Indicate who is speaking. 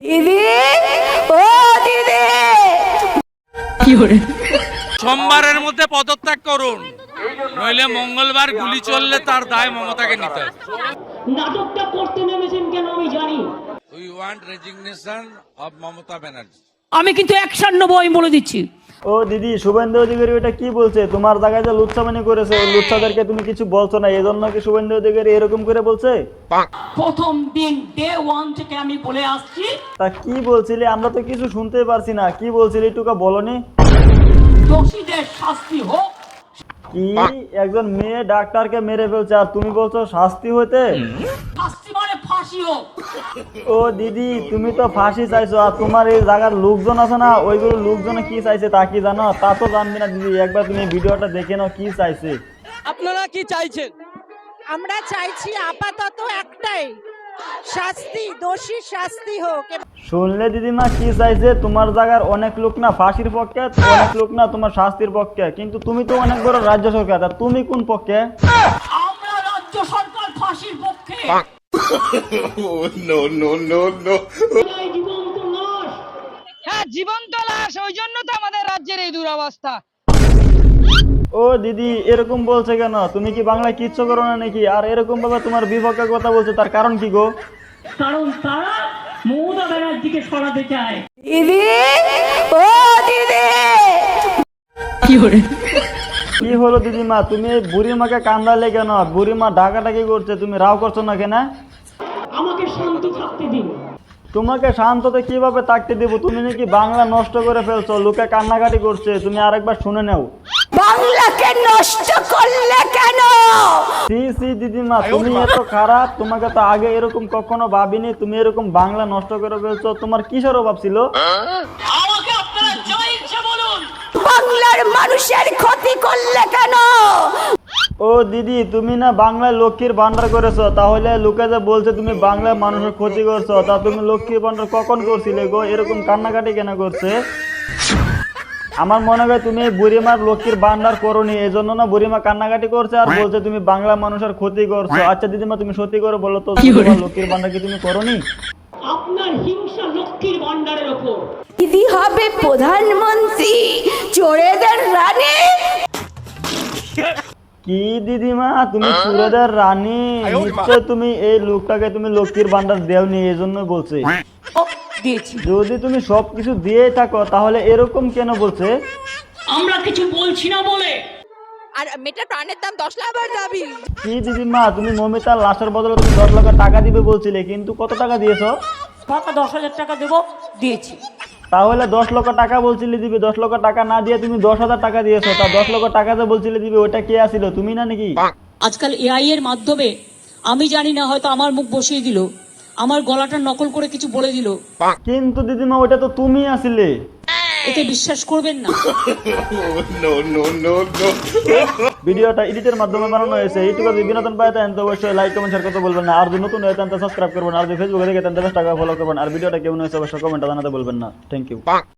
Speaker 1: দিদি, ও দিদি,
Speaker 2: সোমবারের মধ্যে পদত্যাগ করুন, নইলে মঙ্গলবার গুলি চললে তার দায় মমতাকে নিতে হবে।
Speaker 3: নাটকটা করতে নেমেছেন কেন আমি জানি।
Speaker 2: We want resignation of Mamata Banerjee.
Speaker 3: আমি কিন্তু অ্যাকশন নেবো, আমি বলে দিচ্ছি।
Speaker 4: ও দিদি, শুভেন্দু অধিকারী ওটা কি বলছে? তোমার জায়গায় যে লুচ্ছামানি করেছে, ওই লুচ্ছাদেরকে তুমি কিছু বলছো না, এজন্য কি শুভেন্দু অধিকারী এরকম করে বলছে?
Speaker 3: প্রথম দিন ডে 1 থেকে আমি বলে আসছি।
Speaker 4: তা কি বলছিলে? আমরা তো কিছু শুনতেই পারছি না। কি বলছিলে একটুকা বলনি?
Speaker 3: দোষীদের শাস্তি হোক।
Speaker 4: কি একজন মেয়ে ডাক্তারকে মেরে ফেলছে আর তুমি বলছো শাস্তি হইতে?
Speaker 3: শাস্তি মানে ফাঁসি হোক।
Speaker 4: ও দিদি, তুমি তো ফাঁসি চাইছো, আর তোমার এই জায়গার লোকজন আছে না, ওইগুলো লোকজনে কি চাইছে তা কি জানো? তা তো জানবে না দিদি, একবার তুমি ভিডিওটা দেখে নাও কি চাইছে।
Speaker 5: আপনারা কি চাইছেন?
Speaker 6: আমরা চাইছি আপাতত একটাই, শাস্তি, দোষী শাস্তি হোক।
Speaker 4: শুনলে দিদিমা কি চাইছে? তোমার জায়গার অনেক লোক না ফাঁসির পক্ষে, অনেক লোক না তোমার শাস্তির পক্ষে, কিন্তু তুমি তো অনেক বড় রাজ্য সরকার, তা তুমি কোন পক্ষে?
Speaker 3: আমরা রাজ্য সরকার ফাঁসির পক্ষে। জীবন্ত লাশ।
Speaker 5: হ্যাঁ, জীবন্ত লাশ, ওই জন্য তো আমাদের রাজ্যের এই দুরবস্থা।
Speaker 4: ও দিদি, এরকম বলছে কেন? তুমি কি বাংলায় কিচ্ছু করো না নাকি? আর এরকম ভাবে তোমার বিপক্ষে কথা বলছে, তার কারণ কি গো?
Speaker 3: কারণ তারা মমতা ব্যানার্জিকে সরাতে চায়।
Speaker 1: দিদি, ও দিদি,
Speaker 4: কি হলো দিদিমা? তুমি এই বুড়িমাকে কান্দালে কেন? বুড়িমা ডাকাটাকি করছে, তুমি রাও করছো না কেন?
Speaker 3: আমাকে শান্ত থাকতে দিন।
Speaker 4: তোমাকে শান্ততে কিভাবে থাকতে দেবো? তুমি নাকি বাংলা নষ্ট করে ফেলছো, লোকে কান্নাকাটি করছে, তুমি আরেকবার শুনে নাও।
Speaker 1: বাংলাকে নষ্ট করলে কেন?
Speaker 4: সি সি দিদিমা, তুমি এত খারাপ, তোমাকে তো আগে এরকম কখনো ভাবিনি, তুমি এরকম বাংলা নষ্ট করে ফেলছো। তোমার কিসের অভাব ছিল?
Speaker 3: আমাকে আপনারা যা ইচ্ছে বলুন।
Speaker 1: বাংলার মানুষের ক্ষতি করলে কেন?
Speaker 4: ও দিদি, তুমি না বাংলায় লক্ষ্মীর ভান্ডার করেছো, তাহলে লোকে যে বলছে তুমি বাংলার মানুষের ক্ষতি করছো, তা তুমি লক্ষ্মীর ভান্ডার কখন করছিলে গো? এরকম কান্নাকাটি কেন করছে? আমার মনে হয় তুমি বুড়িমার লক্ষ্মীর ভান্ডার করোনি, এই জন্য না বুড়িমা কান্নাকাটি করছে আর বলছে তুমি বাংলা মানুষের ক্ষতি করছো। আচ্ছা দিদিমা, তুমি সত্যি করে বলো তো, তোমার লক্ষ্মীর ভান্ডার কি তুমি করোনি?
Speaker 3: আপনার হিংসা লক্ষ্মীর ভান্ডারের ওপর।
Speaker 1: দিদি হবে প্রধানমন্ত্রী, চোরেদের রানী।
Speaker 4: কি দিদিমা, তুমি চুরেদের রানী? নিশ্চয় তুমি এই লোকটাকে তুমি লক্ষ্মীর ভান্ডার দেওনি, এই জন্য বলছে।
Speaker 3: দিয়েছি।
Speaker 4: যদি তুমি সবকিছু দিয়ে থাকো তাহলে এরকম কেন বলছে?
Speaker 3: আমরা কিছু বলছি না বলে।
Speaker 6: আর মেয়েটার প্রাণের দাম 10 লাখ দাবি।
Speaker 4: কি দিদিমা, তুমি মমিতার লাশের বদলে তুমি 10 লাখ টাকা দিবে বলছিলে, কিন্তু কত টাকা দিয়েছো?
Speaker 3: টাকা 10,000 টাকা দেবো, দিয়েছি।
Speaker 4: তাহলে 10 লক্ষ টাকা বলছিলে দিবে, 10 লক্ষ টাকা না দিয়ে তুমি 10,000 টাকা দিয়েছো। তা 10 লক্ষ টাকা যে বলছিলে দিবে, ওটা কে আসিল, তুমি না নাকি?
Speaker 3: আজকাল এআই এর মাধ্যমে আমি জানি না, হয়তো আমার মুখ বসিয়ে দিল, আমার গলাটা নকল করে কিছু বলে দিল।
Speaker 4: কিন্তু দিদিমা ওটা তো তুমি আসিলে।
Speaker 3: এতে বিশ্বাস করবেন না।
Speaker 4: ভিডিওটা এডিটের মাধ্যমে বানানো হয়েছে। এইটুকু যদি বিনোদন পায় তাহলে তো অবশ্যই লাইক কমেন্ট শেয়ার করতে বলবেন না। আর যদি নতুন হয় তাহলে সাবস্ক্রাইব করবেন, আর যদি ফেসবুকে দেখে তাহলে 10 টাকা ফলো করবেন। আর ভিডিওটা কেমন হয়েছে অবশ্যই কমেন্টে জানাতে বলবেন না। Thank you.